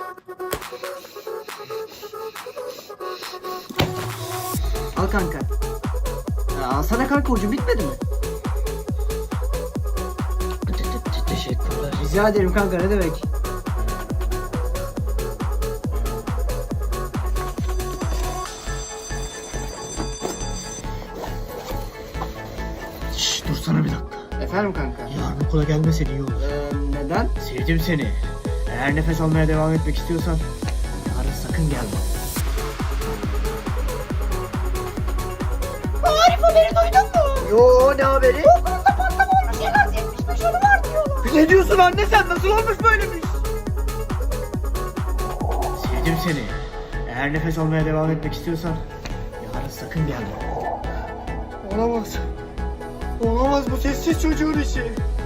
Al kanka. Alsana kanka, ucu bitmedi mi? Teşekkürler. Rica ederim kanka, ne demek? Şşş, dursana bir dakika. Efendim kanka. Yarın okula gelmesen iyi olur. Neden? Sevdim seni. Eğer nefes almaya devam etmek istiyorsan yarın sakın gelme. Arif, haberi duydun mu? Yo, ne haberi? Okulunda patlama olmuş, en az 75 ölü var diyorlar. Ne diyorsun anne, sen nasıl olmuş böyle bir iş? Sevdim seni. Eğer nefes almaya devam etmek istiyorsan yarın sakın gelme. Olamaz. Olamaz, bu sessiz çocuğun işi.